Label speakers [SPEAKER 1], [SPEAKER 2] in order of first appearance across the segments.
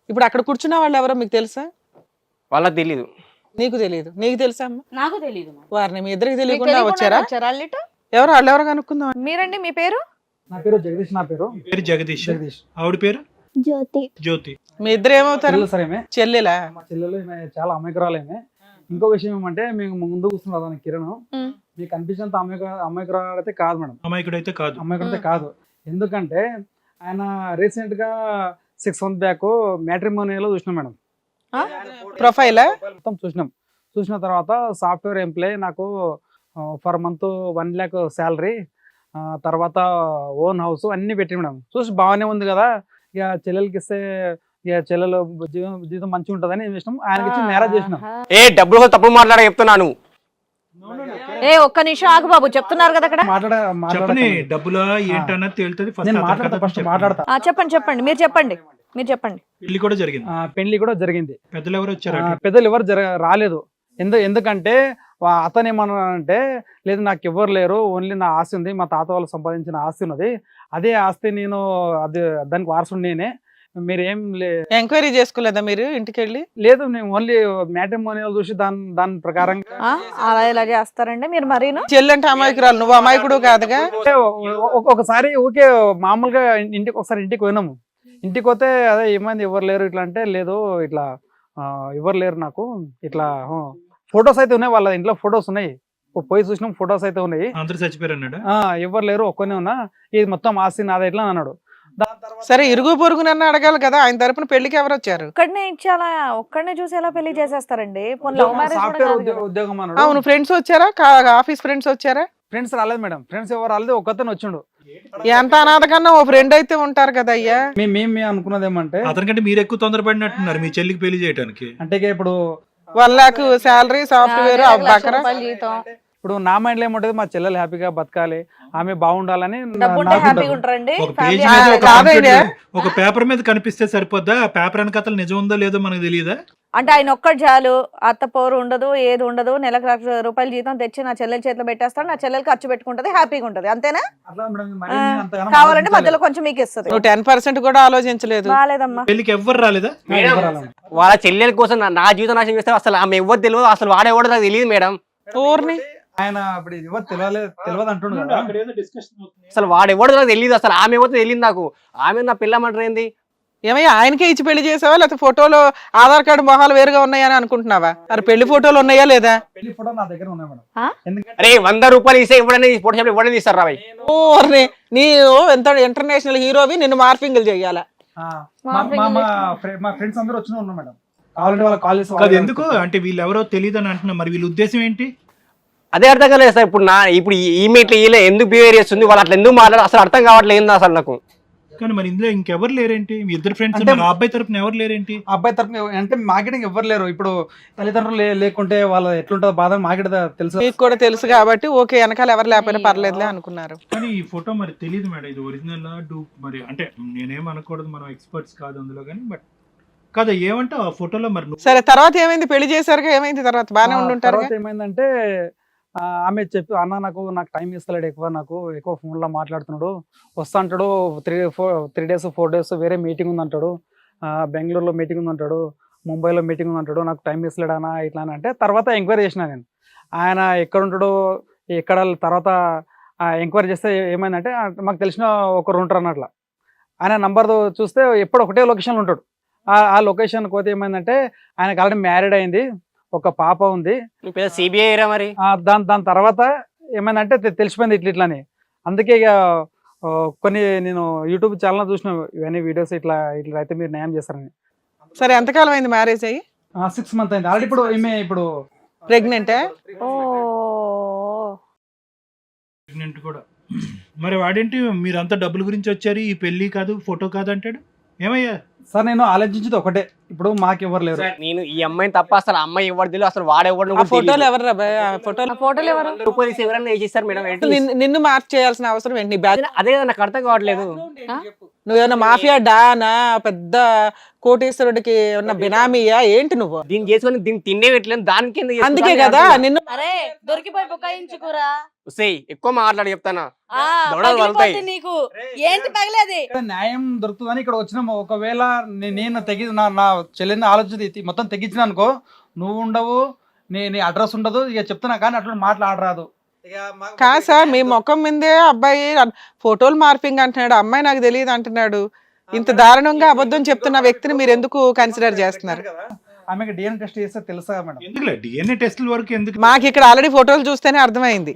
[SPEAKER 1] ఇప్పుడు అక్కడ కూర్చున్న వాళ్ళు ఎవరో మీకు తెలుసా?
[SPEAKER 2] వాళ్ళకి తెలీదు.
[SPEAKER 1] నీకు తెలియదు? నీకు తెలుసా అమ్మ?
[SPEAKER 3] నాకు తెలియదు.
[SPEAKER 1] వారిని మీ ఇద్దరికి తెలియకుండా వచ్చారా?
[SPEAKER 3] అల్లిట
[SPEAKER 1] ఎవరు వాళ్ళు ఎవరు కనుక్కుందాం.
[SPEAKER 3] మీరండి, మీ పేరు?
[SPEAKER 4] నా పేరు జగదీష్. నా పేరు
[SPEAKER 5] జగదీష్.
[SPEAKER 4] జగదీష్.
[SPEAKER 5] ఆవిడ పేరు
[SPEAKER 6] జ్యోతి.
[SPEAKER 5] జ్యోతి.
[SPEAKER 1] మీ ఇద్దరు ఏమవుతారు?
[SPEAKER 4] చెల్లెలు సార్ ఏమే.
[SPEAKER 1] చెల్లెలా?
[SPEAKER 4] మా చెల్లెలు ఈమె చాలా అమాయకురాలేమే. ఇంకో విషయం ఏమంటే మేము ముందు కూర్చున్నాం దాని కిరణ్, మీకు అనిపించినంత అమాయకురాలు అయితే కాదు మేడం.
[SPEAKER 5] అమాయకుడైతే కాదు.
[SPEAKER 4] అమాయకుడైతే కాదు. ఎందుకంటే ఆయన రీసెంట్ గా 6 months బ్యాక్ మ్యాట్రిమోనియల్ చూసినాం మేడం.
[SPEAKER 1] ప్రొఫైలా?
[SPEAKER 4] మొత్తం చూసిన తర్వాత సాఫ్ట్వేర్ ఎంప్లాయ్, నాకు పర్ మంత్ 1 lakh శాలరీ, తర్వాత ఓన్ హౌస్ అన్ని పెట్టి మేడం. చూసి బాగానే ఉంది కదా, ఇక చెల్లెలకి ఇస్తే ఇక చెల్లెలు జీవితం మంచిగా ఉంటుందని చేసినాం. ఆయనకి ఇచ్చి మ్యారేజ్ చేసినాం.
[SPEAKER 2] ఏ డబ్బులు తప్పుడు మాట్లాడ చెప్తున్నాను.
[SPEAKER 3] ఏ ఒక్క నిమిషం ఆగు బాబు, చెప్తున్నారు కదా అక్కడ.
[SPEAKER 5] చెప్పని డబ్బులా ఏంటన్నది తేలుతుంది.
[SPEAKER 4] ఫస్ట్ మాట్లాడతా.
[SPEAKER 3] చెప్పండి మీరు చెప్పండి.
[SPEAKER 5] పెళ్లి కూడా జరిగింది.
[SPEAKER 4] పెళ్లి కూడా జరిగింది.
[SPEAKER 5] పెద్దలు ఎవరు వచ్చారు?
[SPEAKER 4] పెద్దలు ఎవరు రాలేదు. ఎందుకంటే అతను ఏమన్నానంటే, లేదు నాకు ఎవరు లేరు, ఓన్లీ నా ఆస్తి ఉంది, మా తాత వాళ్ళు సంపాదించిన ఆస్తి ఉన్నది, అదే ఆస్తి నేను అది దానికి వారసుడు నేనే, మీరేం
[SPEAKER 1] ఎంక్వైరీ చేసుకోలేదా మీరు ఇంటికి వెళ్ళి?
[SPEAKER 4] లేదు, నేను ఓన్లీ మ్యాట్రిమోనియల్ చూసి దాని ప్రకారం.
[SPEAKER 3] అలా ఇలా చేస్తారండి మీరు మరీను?
[SPEAKER 1] చెల్లంటే అమాయకురాలు, నువ్వు అమాయకుడు కాదుగా.
[SPEAKER 4] ఒకసారి ఊకే మామూలుగా ఇంటికి పోయినాము. ఇంటికి పోతే అదే ఏమైంది ఎవరు లేరు ఇట్లా అంటే, లేదు ఇట్లా ఎవరు లేరు నాకు, ఇట్లా ఫొటోస్ అయితే ఉన్నాయి, వాళ్ళ ఇంట్లో ఫొటోస్ ఉన్నాయి, పోయి చూసినాం ఫొటోస్ అయితే ఉన్నాయి,
[SPEAKER 5] అందరూ చచ్చిపోయారు అన్నాడు.
[SPEAKER 4] ఎవరు లేరు ఒక్కనే ఉన్నా, ఇది మొత్తం ఆస్తి నాదే ఇట్లా అన్నాడు.
[SPEAKER 1] సరే ఇరుగు పొరుగు నన్ను అడగాలి కదా, ఆయన తరపున పెళ్లికి ఎవరు వచ్చారు?
[SPEAKER 3] ఒక్కడనే చూసి ఎలా పెళ్లి చేసేస్తారండి?
[SPEAKER 4] ఉద్యోగం అన్నాడు.
[SPEAKER 1] అవును, ఫ్రెండ్స్ వచ్చారా? ఆఫీస్ ఫ్రెండ్స్ వచ్చారా?
[SPEAKER 4] ఫ్రెండ్స్ రాలేదు మేడం. ఫ్రెండ్స్ ఎవరు రాలేదు, ఒక్కతను వచ్చిండు.
[SPEAKER 1] ఎంత అనాథ కన్నా ఓ ఫ్రెండ్ అయితే ఉంటారు కదా అయ్యా.
[SPEAKER 4] మేము అనుకున్నది ఏమంటే,
[SPEAKER 5] అతనికంటే మీరు ఎక్కువ తొందరపడినట్టున్నారు మీ చెల్లికి పెళ్లి చేయడానికి.
[SPEAKER 4] అంటే ఇప్పుడు
[SPEAKER 1] 1 lakh శాలరీ, సాఫ్ట్వేర్, అబ్బాకరా.
[SPEAKER 4] ఇప్పుడు నా మైండ్ లో ఏముంటది, మా చెల్లెలు హ్యాపీగా బతకాలి, ఆమె బాగుండాలని.
[SPEAKER 5] ఒక పేపర్ మీద కనిపిస్తే సరిపోద్దా? పేపర్ వెనకాతలు నిజం ఉందో లేదో మనకు తెలియదా?
[SPEAKER 3] అంటే ఆయన ఒక్కటి చాలు, అత్త పోరు ఉండదు, ఏది ఉండదు, నెలకు ₹1,00,000 జీతం తెచ్చి నా చెల్లెల చేతిలో పెట్టేస్తాడు, నా చెల్లెలు ఖర్చు పెట్టుకుంటది, హ్యాపీగా ఉంటది, అంతేనా? కావాలంటే మధ్యలో కొంచెం మీకు ఇస్తుంది.
[SPEAKER 1] నువ్వు 10% కూడా ఆలోచించలేదు.
[SPEAKER 3] రాలేదమ్మా.
[SPEAKER 5] పెళ్లికి ఎవ్వరు రాలేదా?
[SPEAKER 2] వాళ్ళ చెల్లెల కోసం నా జీవితం నాశనం చేస్తారు. అసలు ఆమె ఎవరు తెలియదు, అసలు వాడేవాడు నాకు తెలియదు మేడం.
[SPEAKER 1] ఊరిని
[SPEAKER 4] ఆయన ఇప్పుడు తెలియదు అంటుండు కదా.
[SPEAKER 2] అసలు వాడెవడో నాకు తెలియదు, అసలు ఆమె ఎవరితో తెలియదు నాకు. ఆమె నా పిల్లమంటారు ఏంది?
[SPEAKER 1] ఏమయ్యా ఆయనకే ఇచ్చి పెళ్లి చేసావా, లేకపోతే ఫోటోలో ఆధార్ కార్డు మొహాలు వేరుగా ఉన్నాయని అనుకుంటున్నావా? మరి పెళ్లి ఫోటోలు ఉన్నాయా లేదా?
[SPEAKER 4] పెళ్లి ఫోటో నా దగ్గర ఉన్నాయి మేడం.
[SPEAKER 2] అరే ₹100 ఇస్తే ఇవ్వడని ఫోటో షాప్ ఇవ్వడం తీస్తారు రాబాయ్.
[SPEAKER 1] నీ ఎంత ఇంటర్నేషనల్ హీరోవి, నిన్ను మార్ఫింగ్లు చెయ్యాలా?
[SPEAKER 4] మా ఫ్రెండ్స్ అందరూ వచ్చిన ఉన్నారు మేడం. కావాలంటే వాళ్ళ కాల్
[SPEAKER 5] ఎందుకు అంటే వీళ్ళు ఎవరో తెలియదు అని అంటున్నా, మరి వీళ్ళ ఉద్దేశం ఏంటి?
[SPEAKER 2] అదే అర్థం కాలేదు సార్. ఇప్పుడు ఈమె ఇట్లా ఈలే ఎందుకు బిహేవ్ చేస్తుంది, వాళ్ళు అట్లా ఎందుకు మాట్లాడారు అసలు అర్థం కావట్లేదు అసలు నాకు.
[SPEAKER 5] కానీ మరి ఇందులో ఇంకెవరు లేరేంటి? మీ ఇద్దరు ఫ్రెండ్స్ అబ్బాయి తరపున ఎవరు లేరేంటి?
[SPEAKER 4] అబ్బాయి తరపున అంటే మార్కెటింగ్ ఎవరు లేరు. ఇప్పుడు తల్లిదండ్రులు లేకుంటే వాళ్ళ ఎట్లుంటుందో బాధ మార్కెట్ తెలుసు,
[SPEAKER 1] మీకు కూడా తెలుసు కాబట్టి ఓకే, వెనకాల ఎవరు లేకపోయినా పర్లేదులే అనుకున్నారు.
[SPEAKER 5] కానీ ఈ ఫోటో మరి తెలియదు మేడం, ఇది ఒరిజినల్ డూప్ మరి. అంటే నేనేం అనకూడదు, మనం ఎక్స్పర్ట్స్ కాదు అందులో, కానీ బట్ కదా ఏమంటే ఆ ఫోటోలో మరి.
[SPEAKER 1] సరే తర్వాత ఏమైంది? పెళ్లి చేశారుగా, ఏమైంది తర్వాత? బాగానే ఉండుంటారు.
[SPEAKER 4] ఏమైందంటే ఆమె చెప్పి, అన్న నాకు టైం ఇస్తలేడు, నాకు ఎక్కువ ఫోన్లో మాట్లాడుతున్నాడు, వస్తా అంటాడు, 3 days 4 days వేరే మీటింగ్ ఉందంటాడు, బెంగళూరులో మీటింగ్ ఉందంటాడు, ముంబైలో మీటింగ్ ఉందంటాడు, నాకు టైం ఇస్తలేడు అన్న ఇట్లా అని అంటే, తర్వాత ఎంక్వైరీ చేసిన నేను ఆయన ఎక్కడ ఉంటాడో ఎక్కడ. తర్వాత ఎంక్వైరీ చేస్తే ఏమైందంటే, మాకు తెలిసిన ఒకరు ఉంటారు అన్నట్ల. ఆయన నంబర్ చూస్తే ఎప్పుడు ఒకటే లొకేషన్లో ఉంటాడు. ఆ లొకేషన్ పోతే ఏమైందంటే, ఆయనకు ఆల్రెడీ మ్యారీడ్ అయింది, ఒక పాప ఉంది.
[SPEAKER 2] సిబిఐ మరి
[SPEAKER 4] దాని తర్వాత ఏమైందంటే తెలిసిపోయింది ఇట్లని. అందుకే ఇక కొన్ని నేను యూట్యూబ్ ఛానల్ చూసిన ఇవన్నీ వీడియోస్, ఇట్లా అయితే మీరు న్యాయం చేస్తారని.
[SPEAKER 1] సరే ఎంతకాలం అయింది మ్యారేజ్ అయ్యి?
[SPEAKER 4] 6 months అయింది ఆల్రెడీ. ఇప్పుడు ఈమె ఇప్పుడు
[SPEAKER 1] ప్రెగ్నెంటే.
[SPEAKER 5] ప్రెగ్నెంట్ కూడా. మరి వాడేంటి మీరంతా డబ్బుల గురించి వచ్చారు, ఈ పెళ్లి కాదు ఫోటో కాదు అంటాడు? ఏమయ్యా
[SPEAKER 4] సార్, నేను ఆలోచించేది ఒకటే, ఇప్పుడు మాకెవరు లేరు.
[SPEAKER 2] నేను ఈ అమ్మాయిని తప్ప అసలు అమ్మాయి ఎవరు తెలియదు, అసలు వాడెవరు
[SPEAKER 1] ఆ ఫోటోలు ఎవరు రా భయ్? ఆ ఫోటోలు
[SPEAKER 3] ఆ ఫోటోలు ఎవరు?
[SPEAKER 2] రూపాయలు తీసి ఎవరైనా వేసేస్తారు మేడం. ఏంటి?
[SPEAKER 1] నిన్ను మార్క్ చేయాల్సిన అవసరం ఏంటి? నీ బ్యాగ్
[SPEAKER 2] అదే కదా నాకు అర్థం కావట్లేదు.
[SPEAKER 1] నువ్వేమన్నా మాఫియా డానా, పెద్ద కోటేశ్వరుడికి ఉన్న బినామీయా ఏంటి నువ్వు?
[SPEAKER 2] దీన్ని చేసుకొని దీన్ని తిండే పెట్టలేదు, దానికి ఎందుకు చేస్తున్నారు?
[SPEAKER 1] అందుకే కదా నిన్ను
[SPEAKER 3] అరే దొరికిపోయి బుకాయించుకురా.
[SPEAKER 2] ఉసేయ్, ఎక్కువ మాట్లాడి చెప్తానా?
[SPEAKER 3] ఆ,
[SPEAKER 2] దొడలు
[SPEAKER 3] పగిలిపోద్ది
[SPEAKER 2] వలుతాయి.
[SPEAKER 3] నీకు ఏంటి పగిలేది?
[SPEAKER 4] ఇక్కడ న్యాయం దొరుకుతుందని ఇక్కడ వచ్చినాము. ఒకవేళ నేను తెగి నా చెల్లిని ఆలోచన మొత్తం తెగించిన అనుకో, నువ్వు ఉండవు, నీ అడ్రస్ ఉండదు, ఇక చెప్తున్నా కానీ అట్లా మాట్లాడరాదు.
[SPEAKER 1] కాదు సార్, మీ ముఖం మీదే అబ్బాయి ఫోటోలు మార్పింగ్ అంటున్నాడు, అమ్మాయి నాకు తెలియదు అంటున్నాడు. ఇంత దారుణంగా అబద్ధం చెప్తున్న వ్యక్తిని మీరు ఎందుకు కన్సిడర్ చేస్తున్నారు?
[SPEAKER 4] ఆమెకి డిఎన్ఏ టెస్ట్ చేస్తే తెలుసా మేడం?
[SPEAKER 5] ఎందుకులే డిఎన్ఏ టెస్టుల వరకు ఎందుకు?
[SPEAKER 1] మాకు ఇక్కడ ఆల్రెడీ ఫోటోలు చూస్తేనే అర్థమైంది.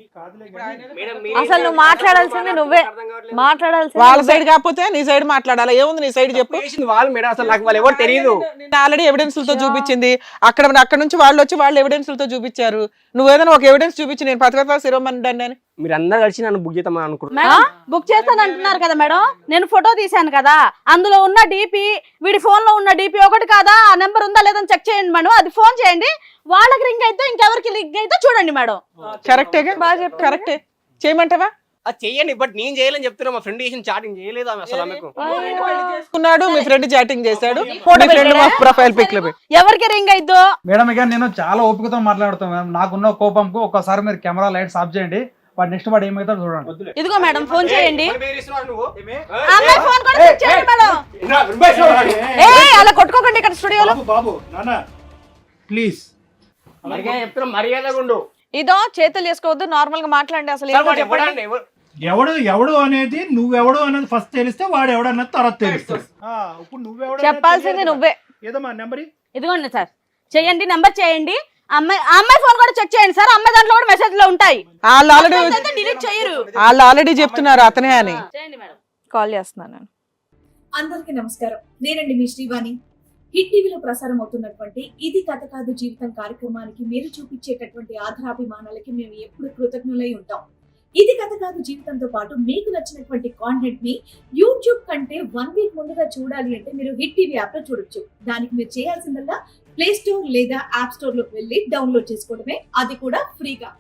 [SPEAKER 3] అసలు నువ్వు మాట్లాడాల్సింది నువ్వే మాట్లాడాల్సింది
[SPEAKER 1] వాళ్ళ సైడ్ కాకపోతే నీ సైడ్ మాట్లాడాలా? ఏముంది నీ సైడ్ చెప్పు.
[SPEAKER 2] వాళ్ళు మేడం అసలు నాకు వాళ్ళు ఎవరు తెలియదు.
[SPEAKER 1] ఆల్రెడీ ఎవిడెన్స్లతో చూపించింది. అక్కడ నుంచి వాళ్ళు వచ్చి వాళ్ళు ఎవిడెన్స్లతో చూపించారు. నువ్వు ఏదైనా ఒక ఎవిడెన్స్ చూపించి నేను పథకత శిరోమణి అని
[SPEAKER 2] మీరు అందరు కలిసి నన్ను బుక్ చేద్దామని అనుకుంటున్నారు.
[SPEAKER 3] మేడం బుక్ చేస్తాను అంటున్నారు కదా మేడం. నేను ఫోటో తీశాను కదా, అందులో ఉన్న డిపి వీడి ఫోన్ లో ఉన్న డిపి ఒకటి కాదా? ఆ నెంబర్ ఉందా లేదని చెక్ చేయండి మేడం. అది ఫోన్ చేయండి, వాళ్ళకి రింగ్ అయితే ఇంకెవరికి రింగ్ అయితే చూడండి మేడం.
[SPEAKER 1] కరెక్టేగా? కరెక్టే, చేయమంటావా?
[SPEAKER 2] అది చెయ్యండి, బట్ నేను చేయాలని చెప్తున్నా. మా ఫ్రెండ్ చేసిన చాటింగ్ చేయలేదు ఆమె అసలు. ఆమెకు
[SPEAKER 1] చేసుకున్నాడు, మీ ఫ్రెండ్ చాటింగ్ చేశాడు, మీ ఫ్రెండ్ ప్రొఫైల్ పిక్ లో
[SPEAKER 3] ఎవరికి రింగ్ అయిద్దో?
[SPEAKER 4] మేడం ఇక నేను చాలా ఓపికతో మాట్లాడుతాను మేడం. నాకున్న కోపంకు ఒక్కసారి మీరు కెమెరా లైట్స్ ఆఫ్ చేయండి. వాడు నెక్స్ట్ వాడు ఏమైతాడు చూడండి.
[SPEAKER 3] ఇదిగో మేడం ఫోన్ చేయండి.
[SPEAKER 2] నువ్వు
[SPEAKER 3] ఆ అమ్మాయి ఫోన్ కూడా చెక్ చేయండి మేడం. అలా కొట్టుకోకండి ఇక్కడ స్టూడియోలో.
[SPEAKER 5] బాబు నాన్న ప్లీజ్
[SPEAKER 2] చెప్తున్నా, మర్యాదగా ఉండు.
[SPEAKER 3] ఇదో చేతులు చేసుకోవద్దు, నార్మల్ గా మాట్లాడండి. అసలు ఏంటో చెప్పండి.
[SPEAKER 5] ఎవడు అనేది నువ్వెవడు అనేది ఫస్ట్ తెలిస్తే వాడు ఎవడు అన్నది తర్వాత తెలుస్తుంది. ఇప్పుడు నువ్వెవడు
[SPEAKER 3] చెప్పాల్సింది నువ్వే.
[SPEAKER 5] ఏదమ్మా నెంబర్
[SPEAKER 3] ఇదిగోండి సార్, చేయండి, నెంబర్ చేయండి. అమ్మాయి ఫోన్ కూడా చెక్ చేయండి సార్. అమ్మాయి దాంట్లో కూడా మెసేజ్ లో ఉంటాయి.
[SPEAKER 1] వాళ్ళు
[SPEAKER 3] డిలీట్ చేయరు.
[SPEAKER 1] ఆల్రెడీ చెప్తున్నారు అతనే అని.
[SPEAKER 3] చేయండి మేడం. కాల్ చేస్తున్నాను నేను.
[SPEAKER 6] అందరికీ నమస్కారం. నేనండి మీ శ్రీవాణి. హిట్ టీవీలో ప్రసారం అవుతున్నటువంటి ఇది కథ కాదు జీవితం కార్యక్రమానికి మీరు చూపించేటటువంటి ఆధారాభిమానాలకి మేము ఎప్పుడు కృతజ్ఞులై ఉంటాం. ఇది కథ కాదు జీవితంతో పాటు మీకు నచ్చినటువంటి కాంటెంట్ ని యూట్యూబ్ కంటే 1 వీక్ ముందుగా చూడాలి అంటే మీరు హిట్ టీవీ యాప్ లో చూడొచ్చు. దానికి మీరు చేయాల్సిందల్లా ప్లే స్టోర్ లేదా యాప్ స్టోర్ లోకి వెళ్ళి డౌన్లోడ్ చేసుకోవడమే, అది కూడా ఫ్రీగా.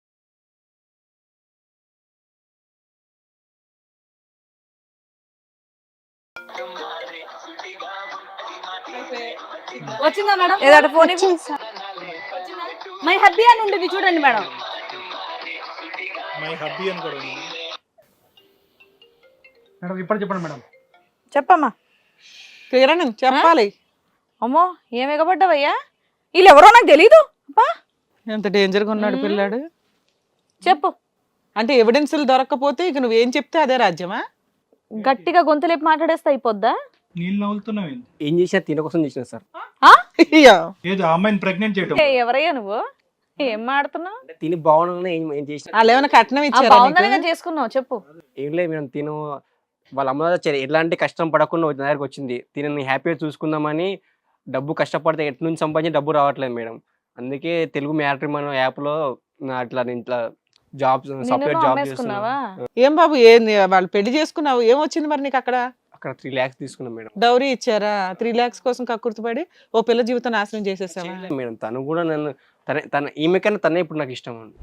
[SPEAKER 3] వచ్చిందా మేడం? ఏదైనా ఫోన్ మై హబ్బీ అని ఉండేది చూడండి మేడం.
[SPEAKER 5] మై హబ్బీ అని కూడా ఉంది.
[SPEAKER 4] మేడం ఇప్పుడు చెప్పండి మేడం.
[SPEAKER 3] చెప్పమ్మా.
[SPEAKER 1] కిరణ్ చెప్పాలి.
[SPEAKER 3] అమ్మో ఏం ఎగబడ్డావయ్యా? వీళ్ళు ఎవరో నాకు తెలీదు.
[SPEAKER 1] ఎంత డేంజర్ గా ఉన్నాడు పిల్లాడు.
[SPEAKER 3] చెప్పు.
[SPEAKER 1] అంటే ఎవిడెన్స్లు దొరకకపోతే ఇక నువ్వేం చెప్తే అదే రాజ్యమా?
[SPEAKER 3] గట్టిగా గొంతులేపి మాట్లాడేస్తా అయిపోద్దా?
[SPEAKER 5] నీళ్ళు నవ్వులుతున్నావు.
[SPEAKER 2] ఏం చేసినా తిన కోసం చేసిన సార్.
[SPEAKER 5] ఏదో ఆ అమ్మాయిని ప్రెగ్నెంట్ చేయటం.
[SPEAKER 3] ఎవరయ్యా నువ్వు? ఏం మాడుతున్నావు?
[SPEAKER 2] తిని బాగుండగానే ఏం చేసిన
[SPEAKER 1] వాళ్ళు ఏమైనా కట్నం ఇచ్చారా?
[SPEAKER 3] బాగుందనిగా చేసుకున్నావు చెప్పు.
[SPEAKER 2] ఏం లేదు మేము తిను వాళ్ళ అమ్మ ఎలాంటి కష్టం పడకుండా నా దగ్గరకు వచ్చింది. తినని హ్యాపీగా చూసుకుందామని. డబ్బు కష్టపడితే ఎటు నుంచి సంపాదించి డబ్బు రావట్లేదు మేడం. అందుకే తెలుగు మ్యాట్రిమోనీ యాప్ లో అట్లా నేను ఇట్లా జాబ్ సాఫ్ట్వేర్ జాబ్ చేస్తున్నావా?
[SPEAKER 1] ఏం బాబు ఏంది వాళ్ళు పెళ్లి చేసుకున్నావు, ఏం వచ్చింది మరి నీకు అక్కడ?
[SPEAKER 2] అక్కడ 3 lakhs తీసుకున్నాం మేడం.
[SPEAKER 1] డౌరీ ఇచ్చారా? 3 lakhs కోసం కక్కుర్తిపడి ఓ పిల్ల జీవితం నాశనం చేసేసావా?
[SPEAKER 2] మేడం తను కూడా నన్ను తన ఈమె కన్నా తనే ఇప్పుడు నాకు ఇష్టం అండి.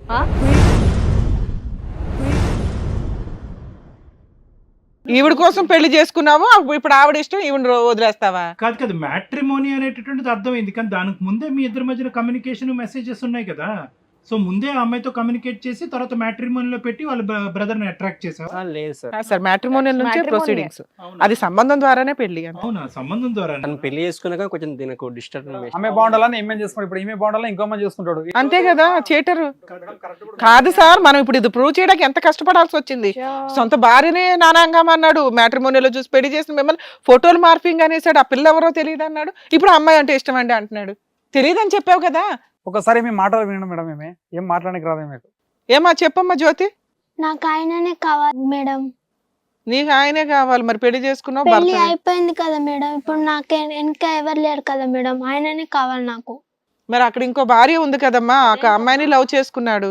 [SPEAKER 1] ఈవిడ కోసం పెళ్లి చేసుకున్నావు, ఇప్పుడు ఆవిడ ఇష్టం ఈవిడ వదిలేస్తావా?
[SPEAKER 5] కాదు కదా, మ్యాట్రిమోనీ అనేటటువంటిది అర్థమైంది. కానీ దానికి ముందే మీ ఇద్దరి మధ్యన కమ్యూనికేషన్ మెసేజెస్ ఉన్నాయి కదా. సో ముందే ఆ అమ్మాయితో కమ్యూనికేట్ చేసి తర్వాత మ్యాట్రిమోనీలో పెట్టి వాళ్ళ బ్రదర్ ని అట్రాక్ట్ చేసావు?
[SPEAKER 2] లేదు సార్.
[SPEAKER 1] సార్ మ్యాట్రిమోనియల్ నుంచే ప్రొసీడింగ్స్. అది సంబంధం ద్వారానే పెళ్లి.
[SPEAKER 5] అవునా? సంబంధం ద్వారా
[SPEAKER 2] తను పెళ్లి చేసుకున్నాక కొంచెం దీనికి డిస్టర్బ్.
[SPEAKER 4] ఆమె బాగుండాలని ఈమె చేసుకుంటాడు, ఇప్పుడు ఈమె బాగుండాలని ఇంకో మంది చేసుకుంటాడు.
[SPEAKER 1] అంతే కదా, చేటరు కాదు సార్. మనం ఇప్పుడు ఇది ప్రూవ్ చేయడానికి ఎంత కష్టపడాల్సి వచ్చింది. సొంత భార్యనే నానాంగం అన్నాడు, మ్యాట్రిమోనియల్ చూసి పెళ్లి చేసిన మిమ్మల్ని ఫోటోలు మార్పింగ్ అనేసాడు. ఆ పిల్ల ఎవరో తెలియదు అన్నాడు, ఇప్పుడు అమ్మాయి అంటే ఇష్టం అండి అంటున్నాడు. తెలియదని చెప్పావు కదా.
[SPEAKER 4] ఒకసారి మీ మాటలు వినండి మేడం. ఏం మాట్లాడడానికి రాదు మీకు.
[SPEAKER 1] ఏమా చెప్పమ్మా జ్యోతి.
[SPEAKER 7] నాకు ఆయననే కావాలి మేడం.
[SPEAKER 1] నీకు ఆయనే కావాలి, మరి పెళ్లి చేసుకున్నావు,
[SPEAKER 7] పెళ్లి
[SPEAKER 1] భర్త
[SPEAKER 7] అయిపోయింది కదా మేడం, ఇప్పుడు నాకు ఇంకా ఎవరు లేరు కదా మేడం, ఆయననే కావాలి నాకు.
[SPEAKER 1] మరి అక్కడ ఇంకో భార్య ఉంది కదమ్మా, ఆ అమ్మాయిని లవ్ చేసుకున్నాడు.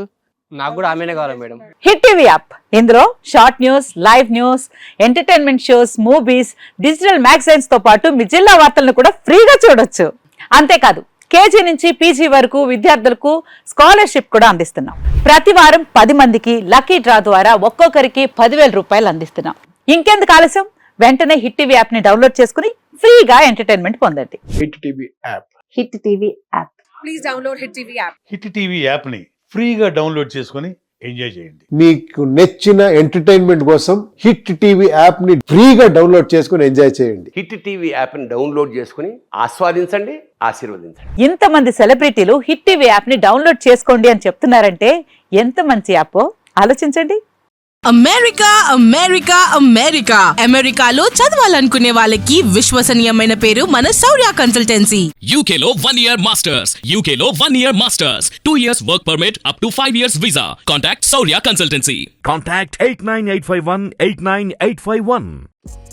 [SPEAKER 2] నాకు కూడా ఆమెనే కావాలి మేడం.
[SPEAKER 8] హిట్ టీవీ యాప్ ఇందులో short news, live news, entertainment shows, movies, digital magazines తో పాటు మీ జిల్లా వార్తలను కూడా ఫ్రీగా చూడొచ్చు. అంతేకాదు కేజీ నుంచి పీజీ వరకు విద్యార్థులకు స్కాలర్షిప్ కూడా అందిస్తున్నాం. ప్రతి వారం 10 మందికి లక్కీ డ్రా ద్వారా ఒక్కొక్కరికి 10,000 రూపాయలు అందిస్తున్నాం. ఇంకెందుకు ఆలస్యం, వెంటనే హిట్ టీవీ యాప్ ని డౌన్లోడ్ చేసుకుని ఫ్రీగా ఎంటర్టైన్మెంట్ పొందండి.
[SPEAKER 9] Hit TV app.
[SPEAKER 8] Hit TV app.
[SPEAKER 10] Please download hit TV app.
[SPEAKER 9] Hit TV యాప్ని ఫ్రీగా డౌన్లోడ్ చేసుకొని ఎంజాయ్ చేయండి.
[SPEAKER 11] మీకు నచ్చిన ఎంటర్టైన్మెంట్ కోసం హిట్ టీవీ యాప్ ని ఫ్రీగా డౌన్లోడ్ చేసుకొని ఎంజాయ్ చేయండి.
[SPEAKER 12] హిట్ టీవీ యాప్ని డౌన్లోడ్ చేసుకుని ఆస్వాదించండి, ఆశీర్వదించండి.
[SPEAKER 8] ఇంతమంది సెలబ్రిటీలు హిట్ టీవీ యాప్ ని డౌన్లోడ్ చేసుకోండి అని చెప్తున్నారంటే ఎంత మంచి యాప్ ఆలోచించండి.
[SPEAKER 10] అమెరికా అమెరికా అమెరికా అమెరికాలో చదవాలనుకునే వాళ్ళకి విశ్వసనీయమైన పేరు మన శౌర్య కన్సల్టెన్సీ.
[SPEAKER 13] UK లో 1 year masters, UK లో 1 year masters, 2 years work permit up to 5 years visa. Contact Saurya Consultancy.
[SPEAKER 14] Contact 89851 89851.